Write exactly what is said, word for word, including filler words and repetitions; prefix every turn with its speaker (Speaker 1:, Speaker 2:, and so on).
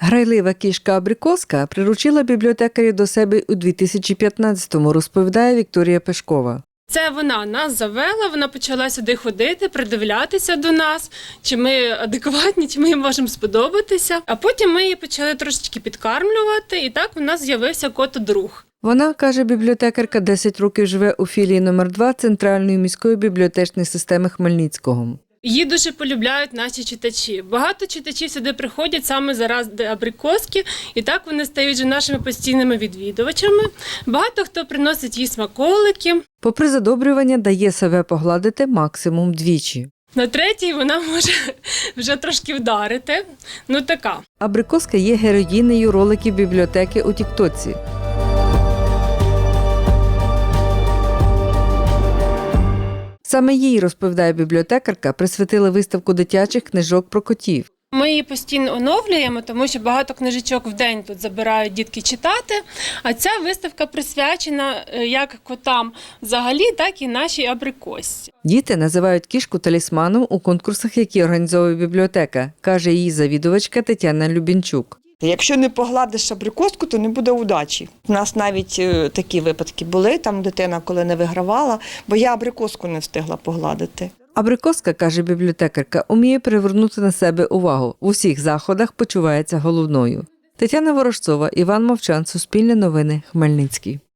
Speaker 1: Грайлива кішка Абрикоска приручила бібліотекарів до себе у дві тисячі п'ятнадцятому, розповідає Вікторія Пешкова.
Speaker 2: Це вона нас завела, вона почала сюди ходити, придивлятися до нас, чи ми адекватні, чи ми їй можемо сподобатися. А потім ми її почали трошечки підкармлювати, і так у нас з'явився кот-друг.
Speaker 1: Вона, каже бібліотекарка, десять років живе у філії номер два Центральної міської бібліотечної системи Хмельницького.
Speaker 2: Її дуже полюбляють наші читачі. Багато читачів сюди приходять саме заради Абрикоски, і так вони стають вже нашими постійними відвідувачами. Багато хто приносить їй смаколики.
Speaker 1: Попри задобрювання, дає себе погладити максимум двічі.
Speaker 2: На третій вона може вже трошки вдарити. Ну така.
Speaker 1: Абрикоска є героїнею роликів бібліотеки у Тіктоці. Саме їй, розповідає бібліотекарка, присвятили виставку дитячих книжок про котів.
Speaker 2: Ми її постійно оновлюємо, тому що багато книжечок в день тут забирають дітки читати, а ця виставка присвячена як котам взагалі, так і нашій Абрикосці.
Speaker 1: Діти називають кішку талісманом у конкурсах, які організовує бібліотека, каже її завідувачка Тетяна Любінчук.
Speaker 3: Якщо не погладиш абрикоску, то не буде удачі. У нас навіть е, такі випадки були, там дитина коли не вигравала, бо я абрикоску не встигла погладити.
Speaker 1: Абрикоска, каже бібліотекарка, уміє привернути на себе увагу. В усіх заходах почувається головною. Тетяна Ворожцова, Іван Мовчан, Суспільне новини, Хмельницький.